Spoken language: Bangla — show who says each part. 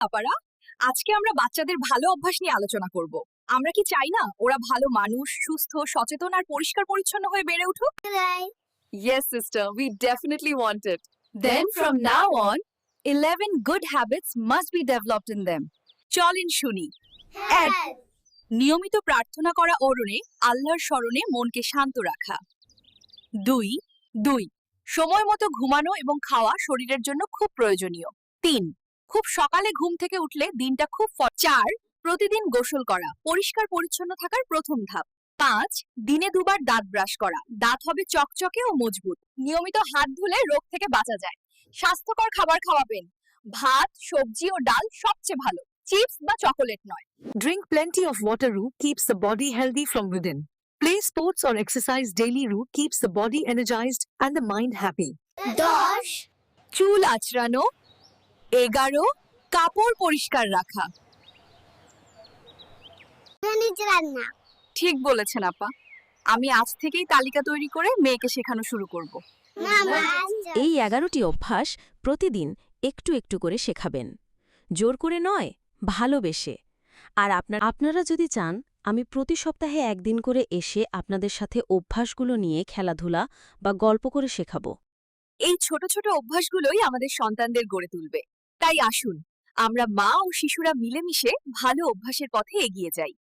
Speaker 1: আপারা, আজকে আমরা বাচ্চাদের ভালো অভ্যাস নিয়ে আলোচনা করব। আমরা কি চাই না ওরা ভালো মানুষ, সুস্থ, সচেতন আর পরিষ্কার পরিচ্ছন্ন হয়ে বেড়ে উঠুক? Yes, sister, we definitely want it. Then from now on, 11 good habits must be developed in them. চলেন শুনি। এক, নিয়মিত প্রার্থনা করা অরণে আল্লাহর স্মরণে মনকে শান্ত রাখা। দুই, দুই, সময় মতো ঘুমানো এবং খাওয়া শরীরের জন্য খুব প্রয়োজনীয়। তিন, খুব সকালে ঘুম থেকে উঠলে দিনটা খুব চার, প্রতিদিন গোসল করা পরিষ্কার পরিচ্ছন্ন থাকার প্রথম ধাপ। পাঁচ, দিনে দুবার দাঁত ব্রাশ করা, দাঁত হবে চকচকে ও মজবুত। নিয়মিত হাত ধুলে রোগ থেকে বাঁচা যায়। স্বাস্থ্যকর খাবার খাওয়াবেন, ভাত, সবজি ও ডাল সবচেয়ে ভালো, চিপস বা চকোলেট নয়।
Speaker 2: Drink plenty of water. Keeps the body healthy from within. Play sports or exercise daily. Keeps the body energized and the mind happy.
Speaker 3: 10
Speaker 1: চুল আঁচড়ানো। 11, কাপড় পরিষ্কার রাখা।
Speaker 3: নিজে রান্না
Speaker 1: ঠিক বলেছেন আপা, আমি আজ থেকেই তালিকা তৈরি করে মেয়েকে শেখানো শুরু করব।
Speaker 4: এই 11টি অভ্যাস প্রতিদিন একটু একটু করে শেখাবেন, জোর করে নয়, ভালোবেসে। আর আপনারা যদি চান আমি প্রতি সপ্তাহে একদিন করে এসে আপনাদের সাথে অভ্যাসগুলো নিয়ে খেলাধুলা বা গল্প করে শেখাবো।
Speaker 1: এই ছোট ছোট অভ্যাসগুলোই আমাদের সন্তানদের গড়ে তুলবে। তাই আসুন আমরা মা ও শিশুরা মিলেমিশে ভালো অভ্যাসের পথে এগিয়ে যাই।